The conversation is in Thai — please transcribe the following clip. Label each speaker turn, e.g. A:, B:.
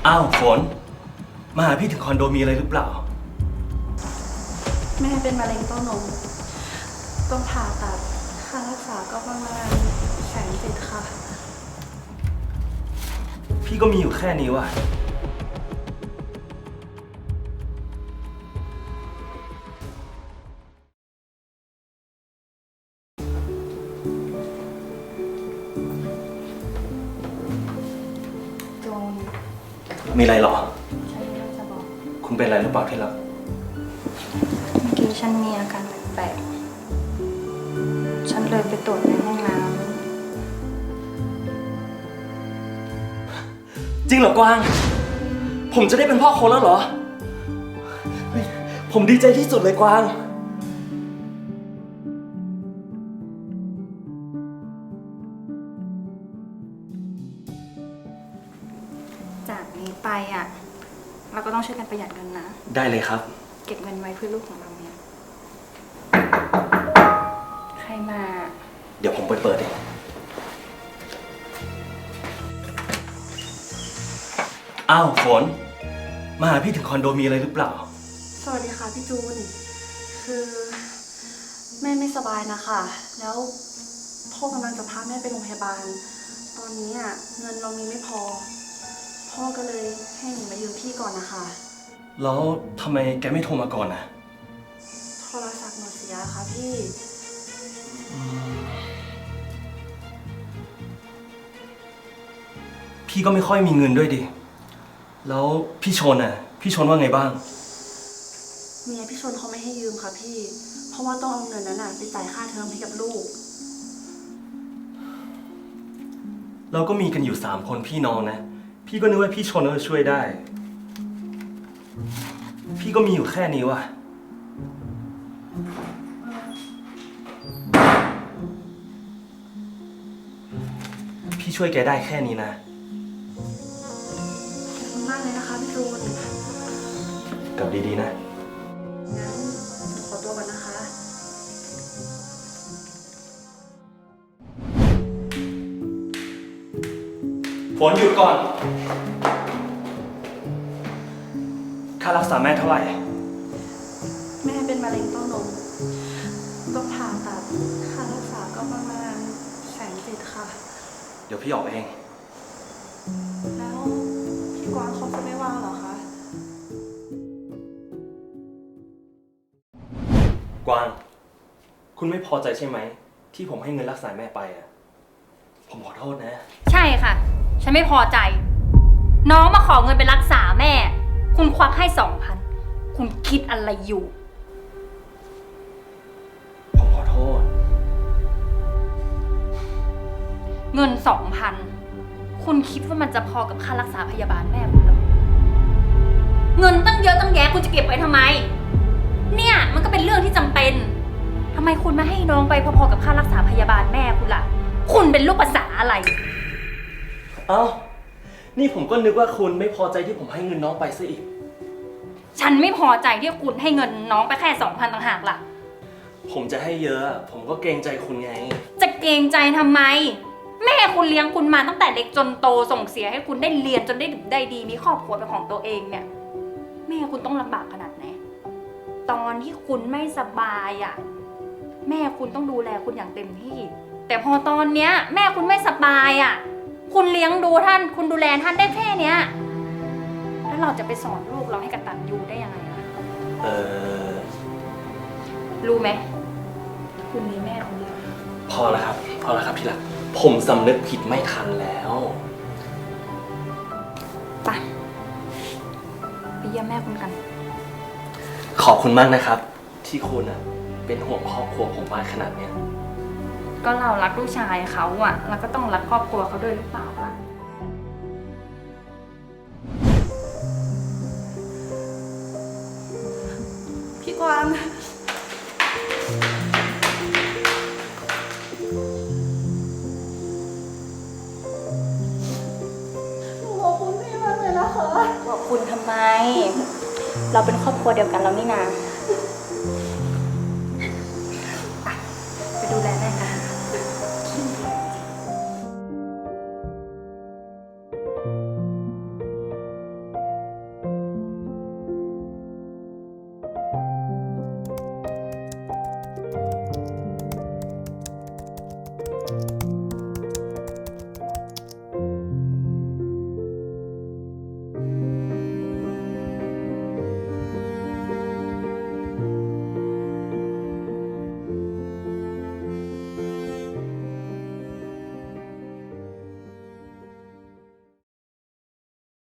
A: อ้าวฝนมาหาพี่ถึงคอนโดมีอะไรหรือเปล่า
B: แม่เป็นมะเร็งเต้านมต้องผ่าตัดค่ารักษาก็ประมาณ170,000ค่ะ
A: พี่ก็มีอยู่แค่นี้ว่ะ
B: โจน
A: มีอะไรหรอ
B: ฉันมีเรื่องจะบอก
A: คุณเป็นอะไรหรือเปล่าที่รัก
B: เมื่อกี้ฉันมีอาการแปลกๆฉันเลยไปตรวจในห้องน้
A: จริงเหรอกวางผมจะได้เป็นพ่อคนแล้วเหรอผมดีใจที่สุดเลยกวาง
B: ำจากนี้ไปเราก็ต้องช่วยกันประหยัดเงินนะ
A: ได้เลยครับ
B: เก็บเงินไว้เพื่อลูกของเราเนี่ยใครมา
A: เดี๋ยวผมไปเปิดเองอ้าวฝนมาหาพี่ถึงคอนโดมีอะไรหรือเปล่า
B: สวัสดีค่ะพี่จูนคือแม่ไม่สบายนะคะแล้วพ่อกำลังจะพาแม่ไปโรงพยาบาลตอนนี้เงินเรามีไม่พอพ่อก็เลยให้หนูมายืมพี่ก่อนนะคะ
A: แล้วทำไมแกไม่โทรมาก่อนนะ
B: โทรศัพท์หนูเสียค่ะพี่
A: พี่ก็ไม่ค่อยมีเงินด้วยดิแล้วพี่ชนพี่ชนว่าไงบ้าง
B: เมียพี่ชนเขาไม่ให้ยืมค่ะพี่เพราะว่าต้องเอาเงินนั้นไปจ่ายค่าเทอมให้กับลูก
A: เราก็มีกันอยู่3 คนพี่น้องนะพี่ก็นึกว่าพี่ชนจะช่วยได้พี่ก็มีอยู่แค่นี้ว่ะพี่ช่วยแกได้แค่นี้นะ
B: ขอบคุณมากเลยนะคะพี่จูน
A: กลับดีๆนะ
B: งั้นขอตัวก่อนนะคะ
A: ฝนหยุดก่อนค่ารักษาแม่เท่าไหร่
B: แม่เป็นมะเร็งเต้านมต้องผ่าตัดค่ารักษาก็ประมาณ170,000ค่ะ
A: เดี๋ยวพี่ออกเอง
B: แล้วพี่กวางเขาจะไม่ว่างเหรอคะ
A: กวางคุณไม่พอใจใช่ไหมที่ผมให้เงินรักษาแม่ไปผมขอโทษนะ
C: ใช่ค่ะฉันไม่พอใจน้องมาขอเงินไปรักษาแม่คุณควักให้2,000คุณคิดอะไรอยู่
A: ผมขอโทษ
C: เงิน2,000คุณคิดว่ามันจะพอกับค่ารักษาพยาบาลแม่คุณหรอเงินตั้งเยอะตั้งแยะคุณจะเก็บไว้ทำไมเนี่ยมันก็เป็นเรื่องที่จำเป็นทำไมคุณไม่ให้น้องไปพอๆกับค่ารักษาพยาบาลแม่คุณล่ะคุณเป็นลูกภาษาอะไร
A: เอ้านี่ผมก็นึกว่าคุณไม่พอใจที่ผมให้เงินน้องไปซะอีก
C: ฉันไม่พอใจที่คุณให้เงินน้องไปแค่2,000ต่างหากล่ะ
A: ผมจะให้เยอะผมก็เกรงใจคุณไง
C: จะเกรงใจทำไมแม่คุณเลี้ยงคุณมาตั้งแต่เล็กจนโตส่งเสียให้คุณได้เรียนจนได้ดีมีครอบครัวเป็นของตัวเองเนี่ยแม่คุณต้องลำบากขนาดไหนตอนที่คุณไม่สบายแม่คุณต้องดูแลคุณอย่างเต็มที่แต่พอตอนเนี้ยแม่คุณไม่สบายคุณเลี้ยงดูท่านคุณดูแลท่านได้แค่เนี้ยแล้วเราจะไปสอนลูกเราให้กตัญญูได้ยังไงล่ะรู้ไหมคุณมีแม่คนเดียว
A: พอแล้วครับพี่รักผมสำนึกผิดไม่ทันแล้ว
C: ไปเยี่ยมแม่คุณกัน
A: ขอบคุณมากนะครับที่คุณเป็นห่วงครอบครัวผมมากขนาดเนี้ย
C: ก็เรารักลูกชายเขาเราก็ต้องรักครอบครัวเขาด้วยหรือเปล่าล่ะ
B: พี่กวางขอบคุณพี่มากเลยนะคะ
C: ขอบคุณทำไมเราเป็นครอบครัวเดียวกันแล้วนี่นา